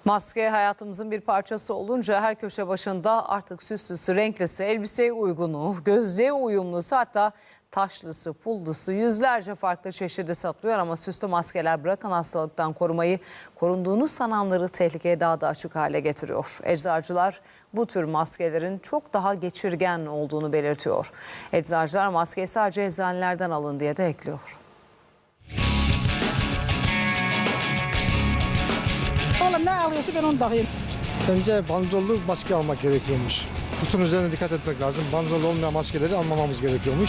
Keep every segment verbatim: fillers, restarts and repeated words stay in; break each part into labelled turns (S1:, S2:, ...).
S1: Maske hayatımızın bir parçası olunca her köşe başında artık süslüsü, renklisi, elbiseye uygunu, gözlüğe uyumlusu, hatta taşlısı, pullusu, yüzlerce farklı çeşidi satılıyor. Ama süslü maskeler bırakın hastalıktan korumayı, korunduğunu sananları tehlikeye daha da açık hale getiriyor. Eczacılar bu tür maskelerin çok daha geçirgen olduğunu belirtiyor. Eczacılar maskeyi sadece eczanelerden alın diye de ekliyor.
S2: Oğlum ne alıyorsa ben onu takayım.
S3: Bence bandrollu maske almak gerekiyormuş. Kutun üzerine dikkat etmek lazım. Bandrol olmayan maskeleri almamamız gerekiyormuş.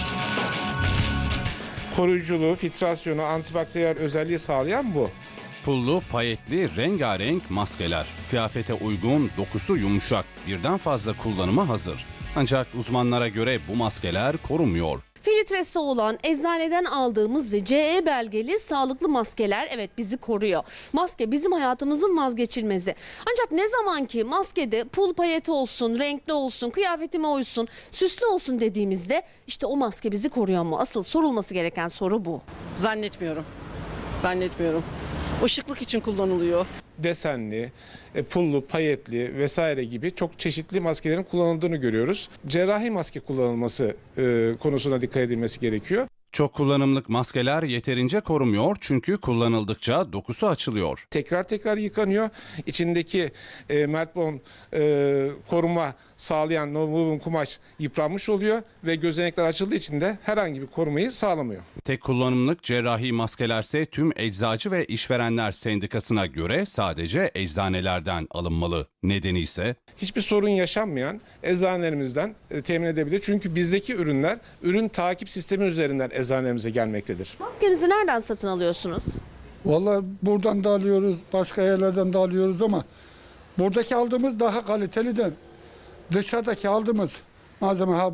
S4: Koruyuculuğu, filtrasyonu, antibakteriyel özelliği sağlayan bu.
S5: Pullu, payetli, rengarenk maskeler. Kıyafete uygun, dokusu yumuşak, birden fazla kullanıma hazır. Ancak uzmanlara göre bu maskeler korumuyor.
S6: Filtresi olan eczaneden aldığımız ve C E belgeli sağlıklı maskeler evet bizi koruyor. Maske bizim hayatımızın vazgeçilmezi. Ancak ne zaman ki maskede pul payeti olsun, renkli olsun, kıyafetime uysun, süslü olsun dediğimizde işte o maske bizi koruyor mu? Asıl sorulması gereken soru bu.
S2: Zannetmiyorum. Zannetmiyorum. Işıklık için kullanılıyor.
S4: Desenli, e, pullu, payetli vesaire gibi çok çeşitli maskelerin kullanıldığını görüyoruz. Cerrahi maske kullanılması e, konusuna dikkat edilmesi gerekiyor.
S5: Çok kullanımlık maskeler yeterince korumuyor çünkü kullanıldıkça dokusu açılıyor.
S4: Tekrar tekrar yıkanıyor. İçindeki e, Meltbond e, koruma sağlayan nonwoven kumaş yıpranmış oluyor ve gözenekler açıldığı için de herhangi bir korumayı sağlamıyor.
S5: Tek kullanımlık cerrahi maskelerse tüm Eczacı ve İşverenler Sendikası'na göre sadece eczanelerden alınmalı. Nedeni ise
S4: Hiçbir sorun yaşanmayan eczanelerimizden e, temin edebilir. Çünkü bizdeki ürünler ürün takip sistemi üzerinden eczanelerimize gelmektedir.
S6: Maskenizi nereden satın alıyorsunuz?
S7: Vallahi buradan da alıyoruz, başka yerlerden de alıyoruz ama buradaki aldığımız daha kaliteliden. Dışarıdaki aldığımız malzeme ha,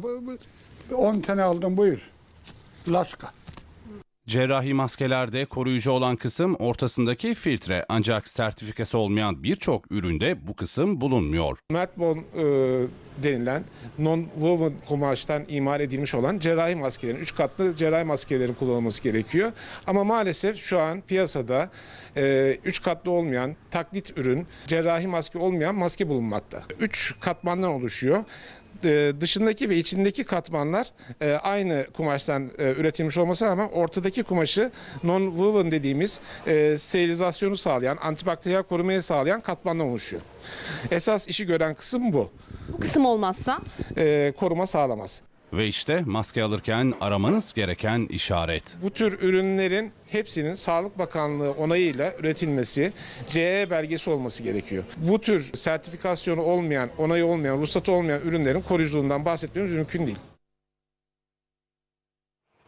S7: on tane aldım buyur. Laska.
S5: cerrahi maskelerde koruyucu olan kısım ortasındaki filtre, ancak sertifikası olmayan birçok üründe bu kısım bulunmuyor.
S4: Meltbond e, denilen non-woven kumaştan imal edilmiş olan cerrahi maskelerin, üç katlı cerrahi maskelerin kullanılması gerekiyor. Ama maalesef şu an piyasada e, üç katlı olmayan taklit ürün, cerrahi maske olmayan maske bulunmakta. üç katmandan oluşuyor. E, dışındaki ve içindeki katmanlar e, aynı kumaştan e, üretilmiş olması ama ortadaki kumaşı non-woven dediğimiz e, sterilizasyonu sağlayan, antibakteriyel korumayı sağlayan katmandan oluşuyor. Esas işi gören kısım bu.
S6: Bu kısım olmazsa?
S4: E, koruma sağlamaz.
S5: Ve işte maske alırken aramanız gereken işaret.
S4: Bu tür ürünlerin hepsinin Sağlık Bakanlığı onayıyla üretilmesi, C E belgesi olması gerekiyor. Bu tür sertifikasyonu olmayan, onayı olmayan, ruhsatı olmayan ürünlerin koruyuculuğundan bahsetmemiz mümkün değil.